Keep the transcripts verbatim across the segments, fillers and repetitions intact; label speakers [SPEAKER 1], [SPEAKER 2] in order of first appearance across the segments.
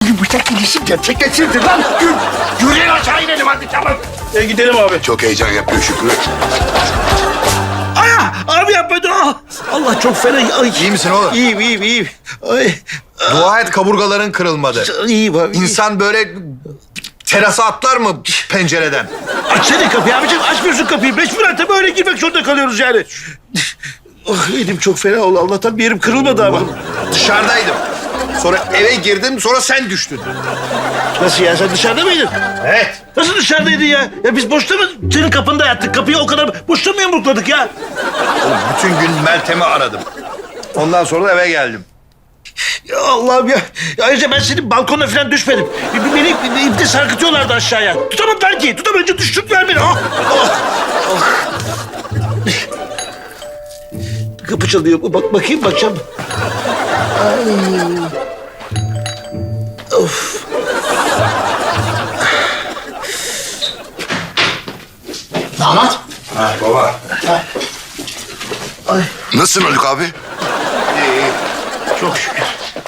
[SPEAKER 1] bıçak ilişim gerçekleşirdi lan. Yürüyün aşağı inelim hadi tamam.
[SPEAKER 2] E, gidelim abi.
[SPEAKER 3] Çok heyecan yapıyor Şükrü.
[SPEAKER 2] Aya! Abi yapma dur. Ah! Allah çok fena. Ay.
[SPEAKER 4] İyi misin oğlum?
[SPEAKER 2] İyiyim, iyiyim, iyiyim. Ay.
[SPEAKER 4] Dua et kaburgaların kırılmadı.
[SPEAKER 2] İyiyim abi. iyiyim.
[SPEAKER 4] İnsan böyle terasa atlar mı pencereden?
[SPEAKER 2] Açsana kapıyı abicim. Açmıyorsun kapıyı. Mecburen tabii öyle girmek zorunda kalıyoruz yani. Oh, elim çok fena oldu. Allah'tan bir yerim kırılmadı ama.
[SPEAKER 4] Dışarıdaydım. Sonra eve girdim, sonra sen düştün.
[SPEAKER 2] Nasıl ya? Sen dışarıda mıydın?
[SPEAKER 4] Evet.
[SPEAKER 2] Nasıl dışarıdaydın ya? Ya biz boşta mı senin kapında yattık? Kapıyı o kadar boşta mı yumrukladık ya?
[SPEAKER 4] Oğlum bütün gün Meltem'i aradım. Ondan sonra da eve geldim.
[SPEAKER 2] Ya Allah'ım ya. Ya ayrıca ben senin balkona falan düşmedim. Beni ipte sarkıtıyorlardı aşağıya. Tutamadılar ki. Tutamayınca düşürdüler beni. Ah, ah, ah. Kapı çalıyor. Bak bakayım bakacağım. Ay. Of.
[SPEAKER 1] Damat.
[SPEAKER 4] Ha baba.
[SPEAKER 3] Nasılsın Haluk abi?
[SPEAKER 2] Çok şükür.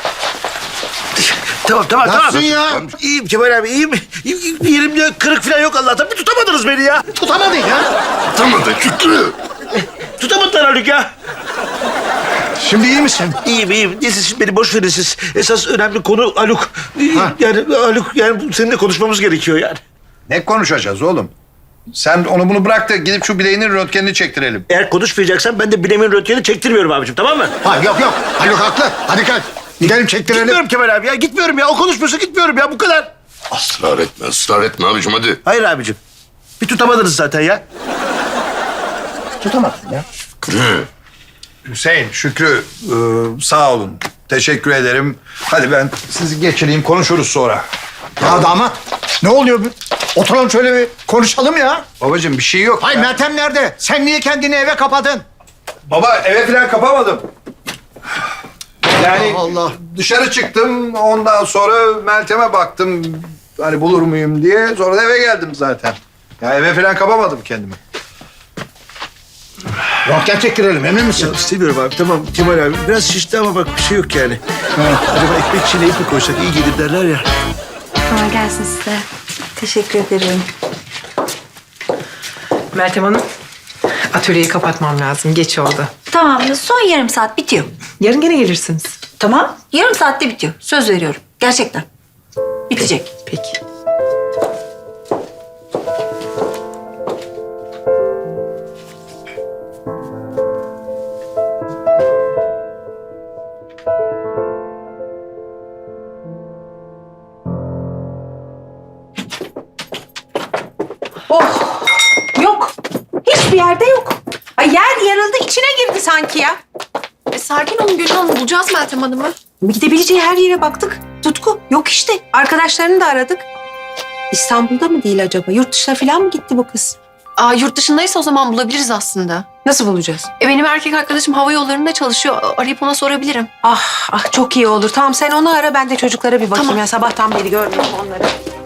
[SPEAKER 2] Tamam tamam
[SPEAKER 1] Nasılsın
[SPEAKER 2] tamam.
[SPEAKER 1] ya?
[SPEAKER 2] İyiyim Kemal abi iyiyim. İyiyim, Bir yerimde kırık falan yok Allah'tan. Bir tutamadınız beni ya.
[SPEAKER 1] Tutamadın ya.
[SPEAKER 3] Tutamadın Şükrü.
[SPEAKER 2] Tutamadılar Haluk ya.
[SPEAKER 1] Şimdi iyi misin?
[SPEAKER 2] İyiyim iyiyim. Neyse şimdi beni boş verin siz. Esas önemli konu Haluk. Yani Haluk yani seninle konuşmamız gerekiyor yani.
[SPEAKER 4] Ne konuşacağız oğlum? Sen onu bunu bırak da gidip şu bileğinin röntgenini çektirelim.
[SPEAKER 2] Eğer konuşmayacaksan ben de bilemin röntgenini çektirmiyorum abicim tamam mı?
[SPEAKER 1] Ha yok yok. Haluk haklı. Hadi kalk. Gidelim çektirelim.
[SPEAKER 2] Gitmiyorum Kemal abi ya gitmiyorum ya. O konuşmuyorsa gitmiyorum ya bu kadar.
[SPEAKER 3] Israr etme, ısrar etme abicim hadi.
[SPEAKER 2] Hayır abicim. Bir tutamadınız zaten ya.
[SPEAKER 1] Tutamadın ya.
[SPEAKER 3] Şükrü.
[SPEAKER 4] Hüseyin, Şükrü e, sağ olun. Teşekkür ederim. Hadi ben sizi geçireyim, konuşuruz sonra.
[SPEAKER 1] Ya damat. Ne oluyor? bu? Oturalım şöyle bir konuşalım ya.
[SPEAKER 4] Babacığım bir şey yok.
[SPEAKER 1] Hay
[SPEAKER 4] ya.
[SPEAKER 1] Meltem nerede? Sen niye kendini eve kapadın?
[SPEAKER 4] Baba eve falan kapamadım. Yani
[SPEAKER 1] Allah Allah.
[SPEAKER 4] dışarı çıktım, ondan sonra Meltem'e baktım. Hani bulur muyum diye. Sonra da eve geldim zaten. Ya eve falan kapamadım kendimi.
[SPEAKER 1] Röntgen çektirelim emin misin?
[SPEAKER 2] Ya istemiyorum abi tamam Kemal abi. Biraz şişti ama bak bir şey yok yani. Acaba ekmek çiğneyip mi koysak iyi gelir derler ya.
[SPEAKER 5] Kolay gelsin size. Teşekkür ederim.
[SPEAKER 6] Meltem Hanım, atölyeyi kapatmam lazım. Geç oldu.
[SPEAKER 5] Tamam, son yarım saat bitiyor.
[SPEAKER 6] Yarın gene gelirsiniz.
[SPEAKER 5] Tamam, yarım saatte bitiyor. Söz veriyorum. Gerçekten. Bitecek.
[SPEAKER 6] Peki.
[SPEAKER 7] Oh! Yok. Hiçbir yerde yok. Ay yer yarıldı, içine girdi sanki ya.
[SPEAKER 8] E, sakin olun Gülhan Hanım. Bulacağız Meltem Hanım'ı.
[SPEAKER 7] Gidebileceği her yere baktık. Tutku yok işte. Arkadaşlarını da aradık. İstanbul'da mı değil acaba? Yurt dışına falan mı gitti bu kız?
[SPEAKER 8] Aa, yurt dışındaysa o zaman bulabiliriz aslında.
[SPEAKER 7] Nasıl bulacağız?
[SPEAKER 8] E, benim erkek arkadaşım hava yollarında çalışıyor. Arayıp ona sorabilirim.
[SPEAKER 7] Ah ah çok iyi olur. Tamam sen onu ara, ben de çocuklara bir bakayım.
[SPEAKER 8] Tamam.
[SPEAKER 7] Ya sabahtan beri görmüyorum onları.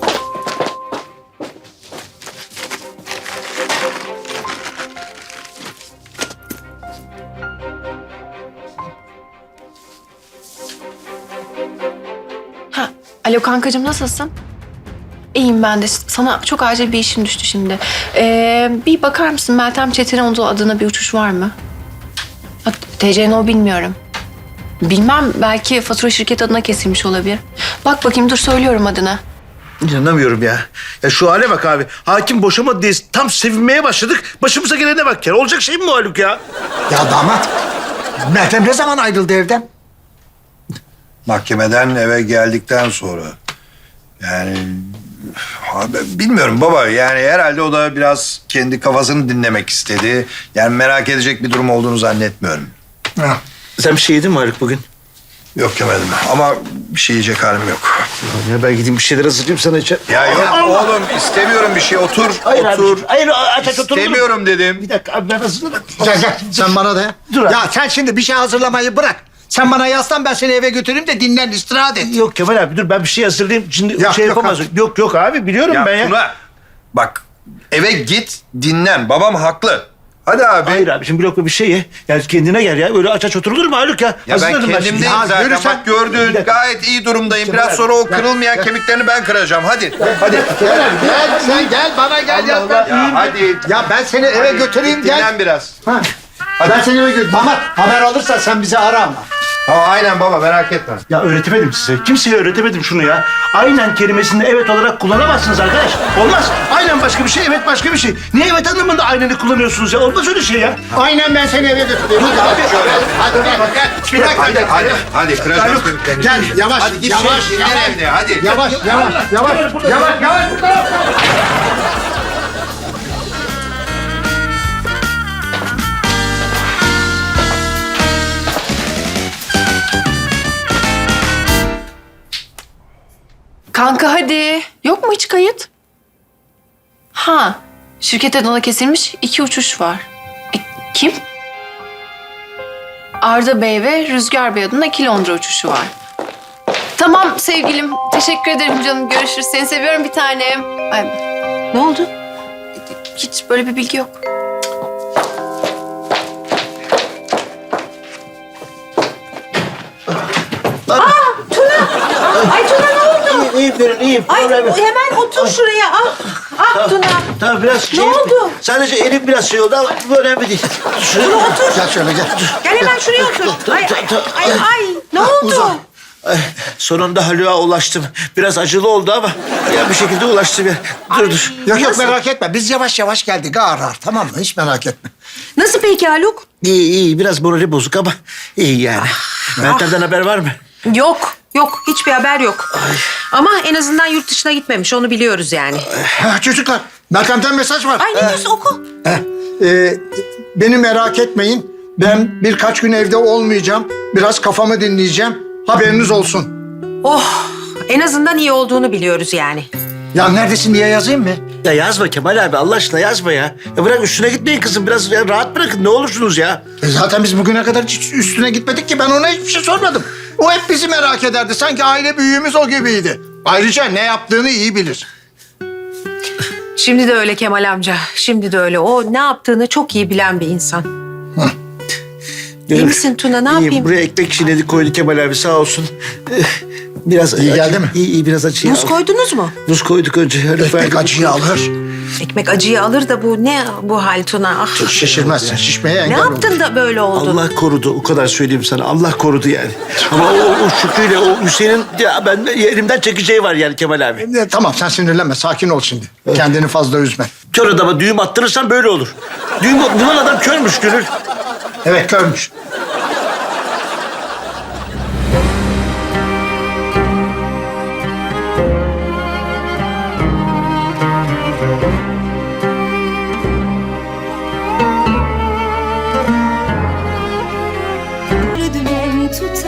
[SPEAKER 8] Ha, alo kankacığım nasılsın? İyiyim ben de. Sana çok acil bir işim düştü şimdi. Ee, bir bakar mısın Meltem Çetinoğlu adına bir uçuş var mı? Ha, T C N O bilmiyorum. Bilmem belki fatura şirket adına kesilmiş olabilir. Bak bakayım dur söylüyorum adını.
[SPEAKER 2] İnanamıyorum ya. Ya şu hale bak abi. Hakim boşamadı diye tam sevinmeye başladık. Başımıza gelene bak ya. Olacak şey mi bu Haluk ya?
[SPEAKER 1] Ya damat. Meltem ne zaman ayrıldı evden?
[SPEAKER 4] Mahkemeden eve geldikten sonra. Yani abi, bilmiyorum baba. Yani herhalde o da biraz kendi kafasını dinlemek istedi. Yani merak edecek bir durum olduğunu zannetmiyorum.
[SPEAKER 1] Ha.
[SPEAKER 2] Sen bir şey yedin mi Haluk bugün?
[SPEAKER 4] Yok yemedim ama bir şey yiyecek halim yok.
[SPEAKER 2] Ya ben gideyim bir şeyler hazırlayayım sana içer.
[SPEAKER 4] Ya yok oğlum istemiyorum bir şey. Otur,
[SPEAKER 2] Hayır
[SPEAKER 4] otur.
[SPEAKER 2] abiciğim. Hayır aç aç otur.
[SPEAKER 4] İstemiyorum dedim.
[SPEAKER 2] Bir dakika abi ben hazırladım.
[SPEAKER 1] Gel gel sen bana da.
[SPEAKER 2] Dur abi.
[SPEAKER 1] Ya sen şimdi bir şey hazırlamayı bırak. Sen bana yaslan ben seni eve götüreyim de dinlen istirahat et.
[SPEAKER 2] Yok Kemal abi dur ben bir şey hazırlayayım. Şimdi
[SPEAKER 1] Ya,
[SPEAKER 2] şey
[SPEAKER 1] yok
[SPEAKER 2] yapamaz.
[SPEAKER 1] abi.
[SPEAKER 2] Yok yok abi biliyorum
[SPEAKER 4] Ya
[SPEAKER 2] ben ya.
[SPEAKER 4] Tuna bak eve git dinlen. Babam haklı. Hadi abi.
[SPEAKER 2] Hayır abi şimdi bir lokma bir şey ye. Yani kendine gel ya. Öyle aç aç oturulur mu Haluk ya?
[SPEAKER 4] Ya ben
[SPEAKER 2] Hazırladım şimdi.
[SPEAKER 4] kendimdeyim
[SPEAKER 1] Ya
[SPEAKER 4] zaten.
[SPEAKER 1] yürü sen.
[SPEAKER 4] Bak gördün gayet iyi durumdayım. Biraz sonra o kırılmayan kemiklerini ben kıracağım. Hadi. Hadi.
[SPEAKER 1] Gel, gel sen gel bana gel ya. Ben,
[SPEAKER 4] Ya hadi.
[SPEAKER 1] ya ben seni eve götüreyim gel.
[SPEAKER 4] Dinlen biraz.
[SPEAKER 1] Ha. Ben seni eve götüreyim. Damat haber alırsan sen bizi ara ama.
[SPEAKER 4] Ha, aynen baba merak etme.
[SPEAKER 2] Ya öğretemedim size. Kimseye öğretemedim şunu ya. Aynen kelimesini evet olarak kullanamazsınız arkadaş. Olmaz. Aynen başka bir şey, evet başka bir şey. Niye evet anlamında aynını kullanıyorsunuz ya? Olmaz öyle şey ya.
[SPEAKER 1] Aynen ben seni eve götüreyim. Hadi abi.
[SPEAKER 4] Şöyle.
[SPEAKER 1] Hadi gel. Gel. Bir dakika.
[SPEAKER 4] Hadi hadi. Hadi kıracağız
[SPEAKER 1] Haluk,
[SPEAKER 4] kemiklerini.
[SPEAKER 1] gel yavaş.
[SPEAKER 4] Hadi git
[SPEAKER 1] yavaş,
[SPEAKER 4] şey dinlen
[SPEAKER 1] yavaş.
[SPEAKER 4] evde hadi.
[SPEAKER 1] Yavaş, yavaş, yavaş, yavaş, yavaş.
[SPEAKER 8] Kanka hadi. Yok mu hiç kayıt? Ha, şirket adına kesilmiş iki uçuş var. E, kim? Arda Bey ve Rüzgar Bey adına iki Londra uçuşu var. Tamam sevgilim. Teşekkür ederim canım. Görüşürüz. Seni seviyorum bir tanem. Ay,
[SPEAKER 7] Ne oldu?
[SPEAKER 8] hiç böyle bir bilgi yok.
[SPEAKER 7] Ay Tuna ne oldu?
[SPEAKER 2] İyiyim Gönül, iyiyim.
[SPEAKER 7] Ay
[SPEAKER 2] Problem yok.
[SPEAKER 7] hemen otur şuraya. Ah, ah Tuna.
[SPEAKER 2] Tamam biraz şey...
[SPEAKER 7] oldu?
[SPEAKER 2] Sadece elim biraz şey oldu ama bu önemli değil.
[SPEAKER 7] Tuna otur.
[SPEAKER 1] Gel şöyle gel.
[SPEAKER 7] Gel hemen şuraya otur. Ay, ay, ay, ay. Ne oldu?
[SPEAKER 1] Uzan.
[SPEAKER 2] Ay, sonunda Haluk'a ulaştım. Biraz acılı oldu ama ya bir şekilde ulaştım ya. Dur dur.
[SPEAKER 1] Yok yok merak etme. Biz yavaş yavaş geldik ağır ağır tamam mı? Hiç merak etme.
[SPEAKER 7] Nasıl peki Haluk?
[SPEAKER 2] İyi iyi biraz morali bozuk ama iyi yani. Meltem'den haber var mı?
[SPEAKER 7] Yok. Yok. Hiçbir haber yok. Ama en azından yurt dışına gitmemiş. Onu biliyoruz yani.
[SPEAKER 1] Ha, çocuklar Meltem'den mesaj var.
[SPEAKER 7] Ay ne diyorsun oku.
[SPEAKER 1] Heh, e, beni merak etmeyin. Ben birkaç gün evde olmayacağım. Biraz kafamı dinleyeceğim. Haberiniz olsun.
[SPEAKER 7] Oh. En azından iyi olduğunu biliyoruz yani.
[SPEAKER 1] Ya neredesin diye yazayım mı?
[SPEAKER 2] Ya yazma Kemal abi Allah aşkına yazma ya. Ya bırak üstüne gitmeyin kızım biraz ya rahat bırakın ne olursunuz ya.
[SPEAKER 1] E zaten biz bugüne kadar hiç üstüne gitmedik ki. Ben ona hiçbir şey sormadım. O hep bizi merak ederdi. Sanki aile büyüğümüz o gibiydi. Ayrıca ne yaptığını iyi bilir.
[SPEAKER 7] Şimdi de öyle Kemal amca. Şimdi de öyle. O ne yaptığını çok iyi bilen bir insan. İyi misin Tuna? Ne
[SPEAKER 2] İyiyim.
[SPEAKER 7] yapayım?
[SPEAKER 2] Buraya ekmek çiğnedi koydu Kemal abi sağ olsun. Eh, Biraz
[SPEAKER 1] İyi
[SPEAKER 2] acı-
[SPEAKER 1] geldi mi?
[SPEAKER 2] İyi iyi biraz acı.
[SPEAKER 7] Muz koydunuz mu?
[SPEAKER 2] Muz koyduk önce.
[SPEAKER 1] Ekmek acıyı alır.
[SPEAKER 7] Ekmek acıyı alır da bu ne bu hal Tuna? Ah.
[SPEAKER 1] Şişirmezsin. Şişmeye
[SPEAKER 7] Ne
[SPEAKER 1] engel olur.
[SPEAKER 7] yaptın da böyle oldu?
[SPEAKER 2] Allah korudu o kadar söyleyeyim sana Allah korudu yani. Ama o, o Şükrü'yle o Hüseyin'in ya ben elimden çekeceği var yani Kemal abi.
[SPEAKER 1] E, tamam sen sinirlenme. Sakin ol şimdi. Kendini fazla üzme.
[SPEAKER 2] Kör adama düğüm attırırsan böyle olur. Düğüm bulan adam körmüş Gönül.
[SPEAKER 1] Evet görmüş.
[SPEAKER 9] Dümen tutar